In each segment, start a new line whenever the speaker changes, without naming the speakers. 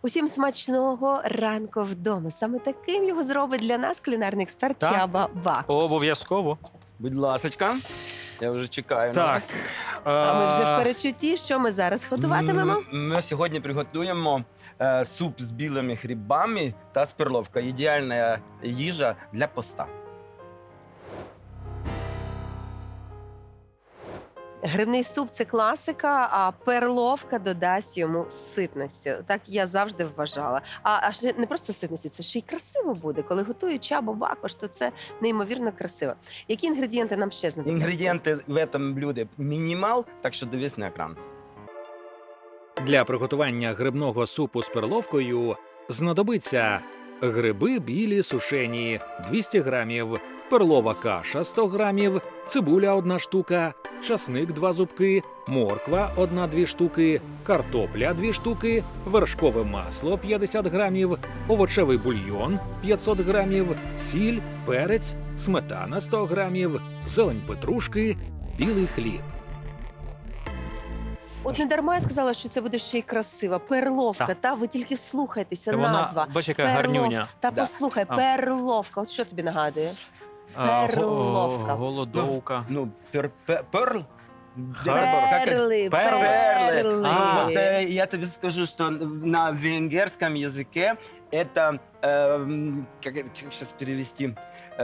Усім смачного ранку вдома. Саме таким його зробить для нас кулінарний експерт
Так.
Чаба Бакуш.
Обов'язково.
Будь ласочка, я вже чекаю на
Так.
вас.
А ми вже в перечутті, що ми зараз готуватимемо.
Ми сьогодні приготуємо суп з білими грибами та з перловкою. Ідеальна їжа для поста.
Грибний суп – це класика, а перловка додасть йому ситності. Так я завжди вважала. А ще не просто ситності, це ще й красиво буде. Коли готує Чаба Бакуш, то це неймовірно красиво. Які інгредієнти нам ще знадобляться?
Інгредієнти в цьому блюді мінімал, так що дивись на екран.
Для приготування грибного супу з перловкою знадобиться гриби білі сушені 200 грамів, перлова каша 100 грамів, цибуля 1 штука, часник 2 зубки, морква 1-2 штуки, картопля 2 штуки, вершкове масло 50 грамів, овочевий бульйон 500 грамів, сіль, перець, сметана 100 грамів, зелень петрушки, білий хліб.
От не дарма я сказала, що це буде ще й красиво. Перловка,
Так.
та ви тільки вслухайтеся,
Та вона,
назва.
бач, яка гарнюня.
Та
Да.
послухай,
А.
перловка. От що тобі нагадує?
А,
Перловка.
Голодовка.
Ну, перл.
Перли,
Перли.
А.
Вот, я тебе скажу, что на венгерском языке это, как сейчас перевести,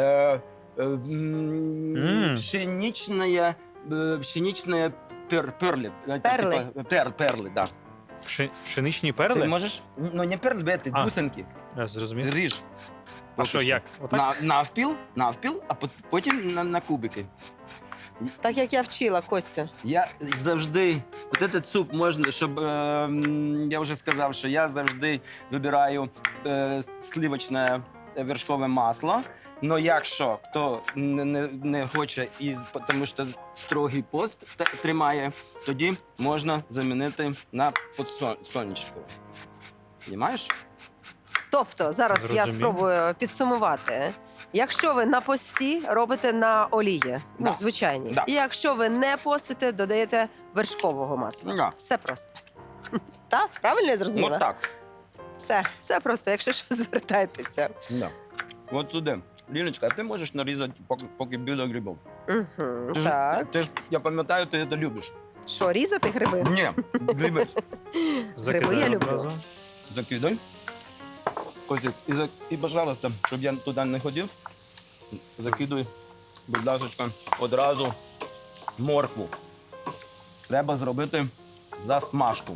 пшеничная перли.
Перли.
Перли, да.
Пшеничні
Ты
перли?
можешь, ну не перли, это
А.
бусинки.
Я зрозумів.
Ріж.
А що, як? Отак?
Навпіл, а потім на кубики.
Так як я вчила, Костю.
Я завжди, от этот суп можна, щоб, я вже сказав, що я завжди вибираю сливочне вершкове масло. Но якщо хто не хоче, тому що строгий пост тримає, тоді можна замінити на подсолнечку. Понімаєш?
Тобто, зараз я
Зрозумів.
спробую підсумувати. Якщо ви на пості, робите на олії,
Да.
звичайній.
Да.
І якщо ви не постите, додаєте вершкового масла.
Да.
Все просто. Так? Правильно я зрозуміла?
Ну так.
Все просто, якщо що, звертайтеся.
Да. От сюди. Ліночка, а ти можеш нарізати поки білих грибів?
Угу,
Ти
так.
ж, я пам'ятаю, ти це любиш.
Що, різати гриби?
Ні, гриби.
Гриби я люблю.
одразу.
Закидай. Костик, і, пожалуйста, щоб я туди не ходив, закидуй, будь ласка, одразу моркву. Треба зробити засмажку.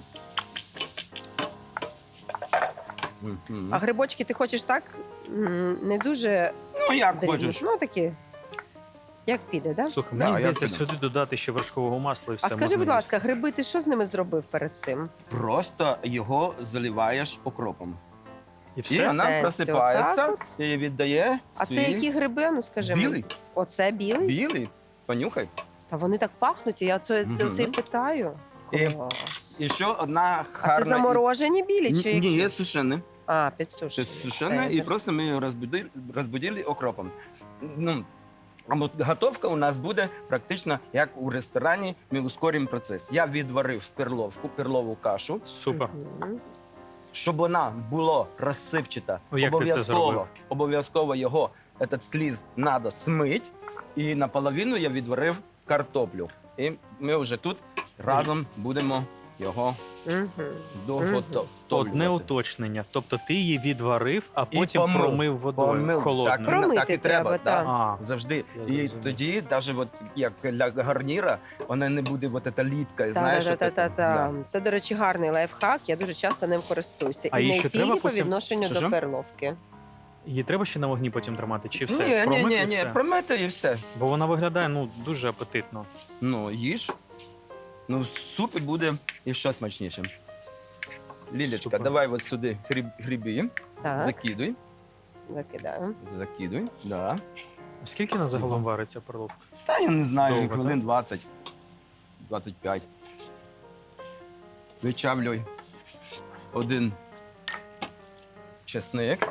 Мгм.
А грибочки ти хочеш так? Не дуже
Ну, як
дрібні.
хочеш.
Ну, такі, як піде, так?
Слухай,
Да,
мені
я
здається,
піду.
сюди додати ще вершкового масла і все.
А скажи,
можна
будь
їсти.
ласка, гриби, ти що з ними зробив перед цим?
Просто його заливаєш окропом.
І
І
все?
вона
Сенсі,
просипається
отак
і віддає
А це
свій...
які гриби? Ну, скажи мені.
Білий.
Оце білий?
Білий. Понюхай.
Та вони так пахнуть, і я це
Мгм.
і питаю.
І-
Клас.
І ще одна
А
гарна...
це заморожені білі чи які?
Ні, є сушені.
А,
Це
підсушені.
сушене,
Все,
і просто ми її розбудили окропом. Ну, а от готовка у нас буде практично як у ресторані, ми ускоримо процес. Я відварив перлову кашу,
Супер.
Мгм.
щоб вона була розсипчата.
Ну, як ти це зробив?
Обов'язково його, этот сліз, треба смити. І наполовину я відварив картоплю. І ми вже тут разом будемо його
Мгм.
доготовлювати.
Одне уточнення. Тобто ти її відварив, а потім
помив.
промив водою
Помив.
холодною.
Промити
так і треба,
треба,
да.
так.
А,
Завжди.
Я
І
зрозумів.
тоді, навіть от, як для гарніра, вона не буде от ця ліпка, знаєш.
Та-та-та-та-та. Це, до речі, гарний лайфхак. Я дуже часто ним користуюся.
А
І
її
не
ще
тільки
треба
по
потім-
відношенну
Що-що?
до перловки.
її треба ще на вогні потім тримати, чи все?
Ні,
Промив і
ні,
все?
промити і все.
Бо вона виглядає дуже апетитно.
Ну, їж. Ну, суп буде і ще смачніше. Лілечка,
Супер.
давай от сюди гриби,
Так,
закидуй,
закидаємо.
да.
А скільки на загалом вариться перловка?
Та я не знаю,
Довго,
хвилин 20, 25. Вичавлюй один чесник.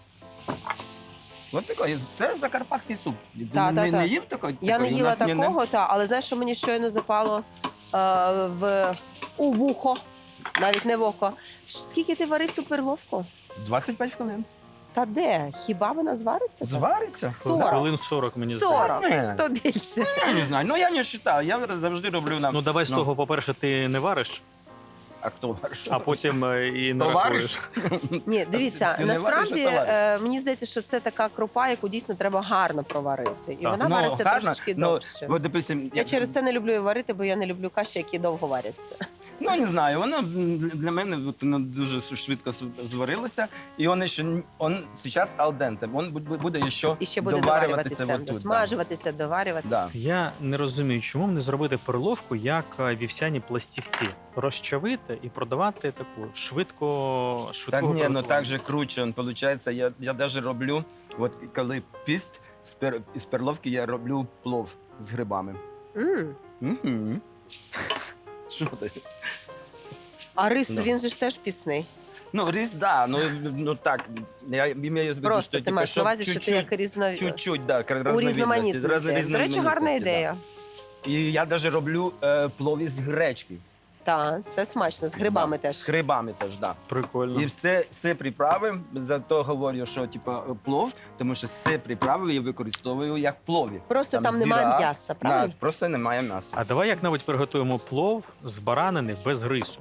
Ось такий, це закарпатський суп.
Та,
не,
та.
не їв такий?
Я не
Такий? У
їла
нас
такого, але знаєш, що мені щойно запало у вухо. навіть не в око. Скільки ти варив ту перловку?
25 хвилин.
Та де? Хіба вона звариться? так?
Звариться?
40.
Хвилин 40, мені здається.
40.
Ні.
То більше.
Я не знаю, ну я не вважаю, я завжди роблю на...
Ну давай з того, по-перше, ти не вариш,
А хто вариш?
а потім і не
То
рахуєш.
вариш?
Ні, дивіться,
Ти не вариш,
насправді
а то вариш.
мені здається, що це така крупа, яку дійсно треба гарно проварити. І
Так.
вона
Ну,
вариться
гарно,
трошечки
ну,
довше.
От, допустим,
Я через це не люблю її варити, бо я не люблю каші, які довго варяться.
Ну, не знаю, воно для мене от, воно дуже швидко зварилося, і він ще зараз алденте, він буде ще,
І ще буде
доварюватися
доварюватися,
отут, да.
досмажуватися, доварюватися.
Да.
Я не розумію, чому б не зробити перловку як вівсяні пластівці. Розчавити і продавати таку швидко
Так ні, ну
приготування.
так же круче, виходить, я навіть роблю, от коли піст з перловки, я роблю плов з грибами.
М.
Угу. Що ти?
А рис,
Ну.
він же ж теж пісний.
Ну, рис, да, ну так, я имею в виду,
Просто
що,
ти
типу,
маєш на
щоб
увазі, що ти як
чуть-чуть, да,
у різноманітності. До речі, гарна
да.
ідея.
І я навіть роблю плов із гречки.
Так, це смачно, з грибами
Да,
теж.
З грибами теж, так. Да.
Прикольно.
І все приправи, зато говорю, що типу, плов, тому що все приправи я використовую як плові.
Просто там немає
зіра,
м'яса,
Да,
правильно?
просто немає м'яса.
А давай як навіть приготуємо плов з баранини без рису.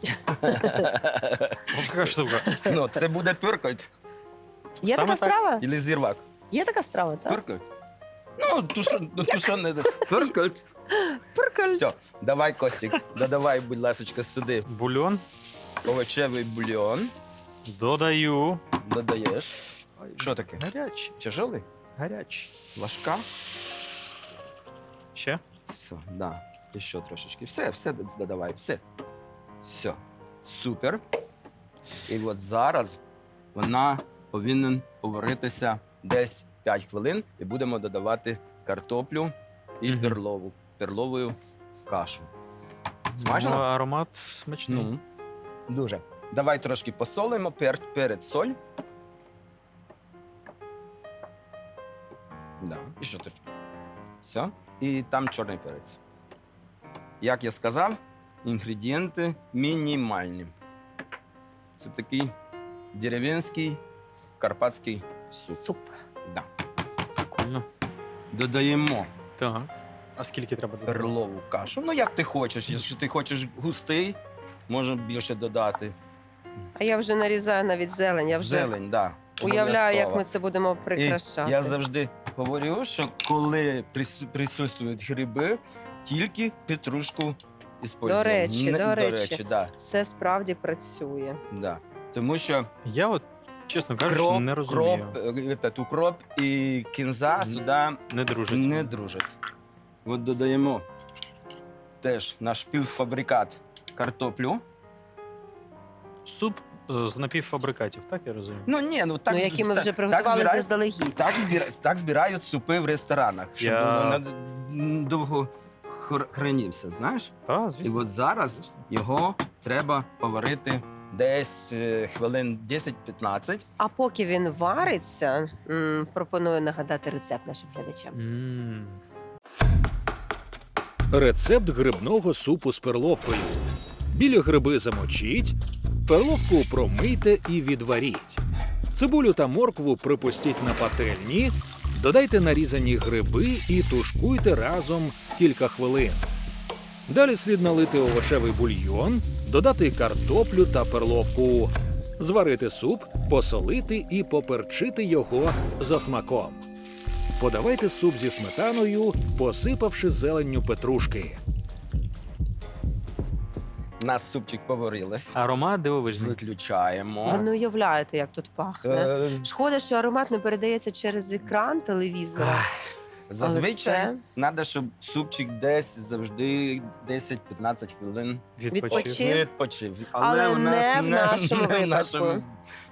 Ось така штука.
Ну, це буде пюркоть
Є
Саме
така
так.
страва?
або зірвак.
Є така страва, так?
Пюркоть. Ну, тушоне. Пюркоть.
Прикольно.
Все, давай, Костік, додавай, будь ласка, сюди
Бульон
овочевий бульйон.
додаю.
Додаєш. Що таке?
Гарячий.
Тяжелий?
Гарячий.
Ложка.
Ще?
Все, да. І ще трошечки. Все додавай, все. Все. Супер. І от зараз вона повинна поваритися десь 5 хвилин і будемо додавати картоплю і
Мгм.
перлову кашу. Смачно?
Ну, аромат смачний.
Ну, дуже. Давай трошки посолимо, перець, соль. Да. І що трошки. Все. І там чорний перець. Як я сказав, інгредієнти мінімальні. Це такий дерев'янський карпатський суп.
Суп.
Да.
Прикольно.
Додаємо
Так. А скільки треба додати?
перлову кашу. Ну, як ти хочеш. Якщо ти хочеш густий, можна більше додати.
А я вже нарізаю навіть зелень, я вже
Зелень, да.
уявляю, як
обов'язково.
ми це будемо
І
прикрашати.
я завжди говорю, що коли присутствують гриби, тільки петрушку використовуємо.
До речі.
Да,
Це справді працює.
да. Тому що
Я от, чесно кажучи, не розумію.
укроп і кінза сюди
Не дружить.
не дружать. От додаємо теж наш півфабрикат картоплю.
Суп з напівфабрикатів, так я розумію?
Ну ні, ну так,
Ну, які ми
так-
вже приготували
збирають-
заздалегідь.
Так збирають супи в ресторанах, щоб
Я-
воно довго хранився, знаєш?
Так,
І
звісно.
от зараз його треба поварити десь хвилин 10-15.
А поки він вариться, пропоную нагадати рецепт нашим глядачам.
М.
Рецепт грибного супу з перловкою. Білі гриби замочіть, перловку промийте і відваріть. Цибулю та моркву припустіть на пательні, додайте нарізані гриби і тушкуйте разом кілька хвилин. Далі слід налити овочевий бульйон, додати картоплю та перловку, зварити суп, посолити і поперчити його за смаком. Подавайте суп зі сметаною, посипавши зеленню петрушки.
У нас супчик поварилось.
Аромат дивовижний.
Виключаємо.
Ви не уявляєте, як тут пахне.
Е,
Шкода, що аромат не передається через екран телевізора.
Зазвичай
це-
треба, щоб супчик десь завжди 10-15 хвилин
Відпочив.
відпочив.
Але
у нас
не в нашому
не в
випадку.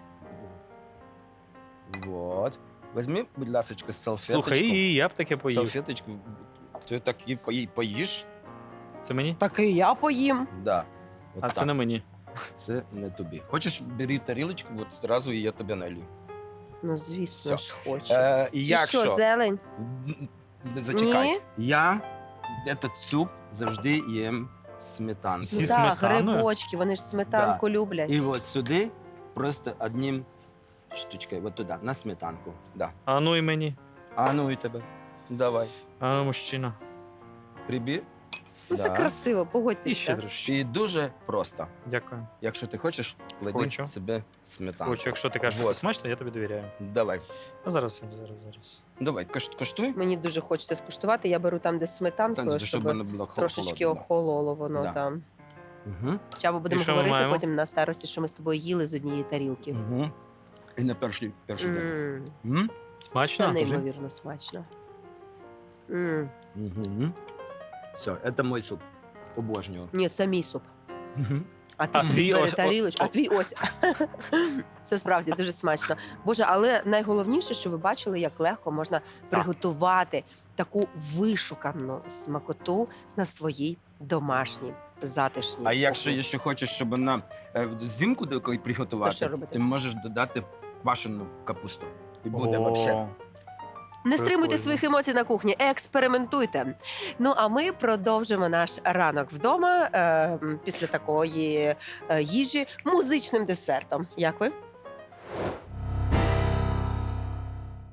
Вот. Візьми, будь ласка, салфеточку.
Слухай, і я б таке поїв.
Салфеточку. Ти так і поїш?
Це мені?
Так і я поїм.
Да. От
А
так.
це не мені.
Це не тобі. Хочеш, бери тарілочку, от одразу і я тебе налью.
Ну, звісно
Все.
ж, хочу.
І
І
якщо...
що, зелень?
Зачекай.
Ні?
Я этот суп завжди їм сметанки.
Зі
Так,
сметаною?
грибочки, вони ж сметанку люблять.
І от сюди просто одним штучкою, от туди, на сметанку. Да.
А ну і мені.
А ну і тебе. Давай.
А ну, мужчина.
Прибір.
Ну, це красиво,
І ще
погодьтеся.
трошки.
І дуже просто.
Дякую.
Якщо ти хочеш, клади
Хочу.
себе сметанку.
Хочу, якщо ти кажеш, що
Вот.
це смачно, я тобі довіряю.
Давай.
А зараз.
Давай, коштуй.
Мені дуже хочеться скуштувати. Я беру там, де з сметанкою,
Там, щоб
щоб
воно було
трошечки
холодно.
охололо воно
Да.
там.
Угу.
Чабо, будемо
І що ми
говорити
маємо?
потім на старості, що ми з тобою їли з однієї тарілки.
Угу. І на перший день.
М,
Смачно?
Це
Скажи.
неймовірно смачно. М,
Угу. Все, це мій суп. Обожнюю.
Ні, це мій суп.
Угу.
А ти
А
собі
твій
бери
ось-
тарілочку, а твій ось. Це справді дуже смачно. Боже, але найголовніше, що ви бачили, як легко можна приготувати таку вишукану смакоту на своїй домашній затишній.
А якщо
кухні.
ще хочеш, щоб вона зимку до якої
То
приготувати,
що робити?
ти можеш додати квашену капусту. І буде
О,
взагалі.
Не стримуйте
Прикольно.
своїх емоцій на кухні, експериментуйте. Ну а ми продовжимо наш ранок вдома після такої їжі музичним десертом. Як ви?